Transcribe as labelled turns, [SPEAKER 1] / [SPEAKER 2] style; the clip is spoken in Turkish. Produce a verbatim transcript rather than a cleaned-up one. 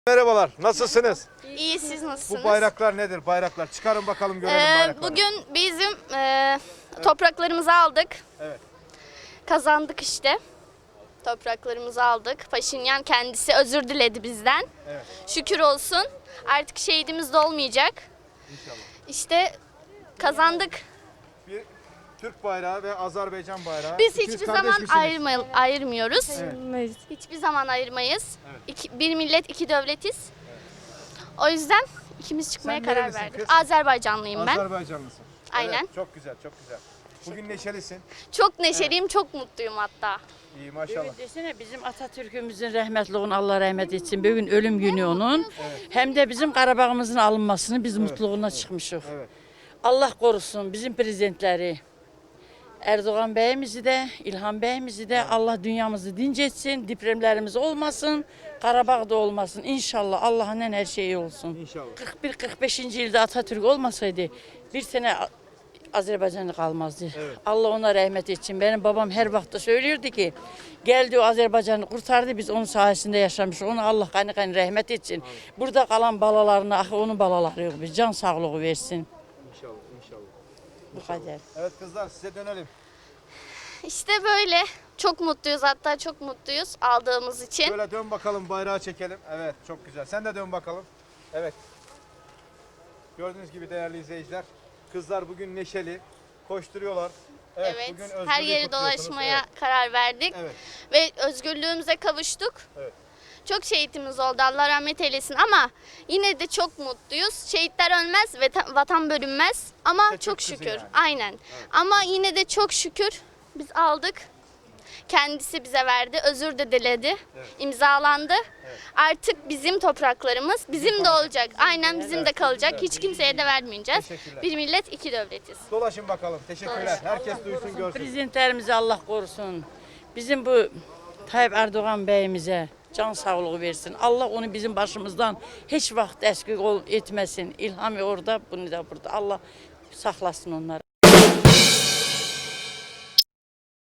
[SPEAKER 1] Merhabalar, nasılsınız?
[SPEAKER 2] İyi, siz nasılsınız?
[SPEAKER 1] Bu bayraklar nedir? Bayraklar çıkarın bakalım görelim
[SPEAKER 2] Ee,
[SPEAKER 1] bayrakları.
[SPEAKER 2] bugün bizim e, topraklarımızı aldık.
[SPEAKER 1] Evet.
[SPEAKER 2] Kazandık işte. Topraklarımızı aldık. Paşinyan kendisi özür diledi bizden.
[SPEAKER 1] Evet.
[SPEAKER 2] Şükür olsun. Artık şehidimiz de olmayacak.
[SPEAKER 1] İnşallah.
[SPEAKER 2] İşte kazandık.
[SPEAKER 1] Bir Türk bayrağı ve Azerbaycan bayrağı.
[SPEAKER 2] Biz
[SPEAKER 1] İkiniz
[SPEAKER 2] hiçbir
[SPEAKER 1] kardeş
[SPEAKER 2] zaman
[SPEAKER 1] misiniz?
[SPEAKER 2] ayırma, ayırmıyoruz.
[SPEAKER 1] Evet.
[SPEAKER 2] Hiçbir zaman ayırmayız.
[SPEAKER 1] Evet.
[SPEAKER 2] İki, bir millet, iki devletiz. O yüzden ikimiz çıkmaya
[SPEAKER 1] Sen
[SPEAKER 2] karar
[SPEAKER 1] nerelisin
[SPEAKER 2] verdik.
[SPEAKER 1] kız?
[SPEAKER 2] Azerbaycanlıyım ben.
[SPEAKER 1] Azerbaycanlısın.
[SPEAKER 2] Aynen.
[SPEAKER 1] Evet, çok güzel, çok güzel. Bugün neşelisin.
[SPEAKER 2] Çok neşeliyim, çok mutluyum hatta.
[SPEAKER 1] İyi maşallah.
[SPEAKER 3] Evet, desene bizim Atatürk'ümüzün rahmetliğini Allah rahmet etsin. Bugün ölüm günü onun. Hem de bizim Qarabağımızın alınmasını biz mutluluğuna çıkmışıq.
[SPEAKER 1] Evet.
[SPEAKER 3] Allah korusun bizim prezidentleri. Erdoğan beyimizi de, İlham beyimizi de Allah dünyamızı dinc etsin, depremlerimiz olmasın, Qarabağ'da olmasın. İnşallah Allah'ın her şeyi olsun.
[SPEAKER 1] İnşallah.
[SPEAKER 3] kırk bir kırk beşinci yılda Atatürk olmasaydı bir sene Azerbaycan'da kalmazdı.
[SPEAKER 1] Evet.
[SPEAKER 3] Allah ona rahmet etsin. Benim babam her vakti söylüyordu ki geldi o Azerbaycan'ı kurtardı, biz onun sayesinde yaşamışız. Onu Allah gani gani rahmet etsin. Evet. Burada kalan balalarına, ah onun balaları yok, biz can sağlığı versin.
[SPEAKER 1] İnşallah, inşallah.
[SPEAKER 3] Bu kadar.
[SPEAKER 1] Evet kızlar size dönelim.
[SPEAKER 2] İşte böyle. Çok mutluyuz, hatta çok mutluyuz aldığımız için.
[SPEAKER 1] Böyle dön bakalım bayrağı çekelim. Evet çok güzel. Sen de dön bakalım. Evet. Gördüğünüz gibi değerli izleyiciler. Kızlar bugün neşeli. Koşturuyorlar. Evet,
[SPEAKER 2] Evet,
[SPEAKER 1] bugün
[SPEAKER 2] her
[SPEAKER 1] özgürlüğü
[SPEAKER 2] yeri
[SPEAKER 1] kutluyorsunuz.
[SPEAKER 2] dolaşmaya
[SPEAKER 1] Evet.
[SPEAKER 2] karar verdik
[SPEAKER 1] Evet.
[SPEAKER 2] ve özgürlüğümüze kavuştuk.
[SPEAKER 1] Evet.
[SPEAKER 2] Çok şehitimiz oldu, Allah rahmet eylesin, ama yine de çok mutluyuz. Şehitler ölmez ve ta- vatan bölünmez, ama
[SPEAKER 1] İşte Türk
[SPEAKER 2] çok
[SPEAKER 1] kızı
[SPEAKER 2] şükür.
[SPEAKER 1] yani.
[SPEAKER 2] Aynen. Ama yine de çok şükür biz aldık. Kendisi bize verdi, özür de diledi,
[SPEAKER 1] Evet.
[SPEAKER 2] imzalandı. Artık bizim topraklarımız bizim de olacak. Aynen bizim de kalacak. Hiç kimseye de vermeyeceğiz.
[SPEAKER 1] Teşekkürler.
[SPEAKER 2] Bir millet, iki devletiz.
[SPEAKER 1] Dolaşın bakalım. Teşekkürler. Herkes duysun görsün.
[SPEAKER 3] Prezidentlerimizi Allah korusun. Bizim bu Tayyip Erdoğan beyimize can sağlığı versin. Allah onu bizim başımızdan hiç vaxt əskik ol etməsin. İlham orada, bunu da burada. Allah saxlasın onları.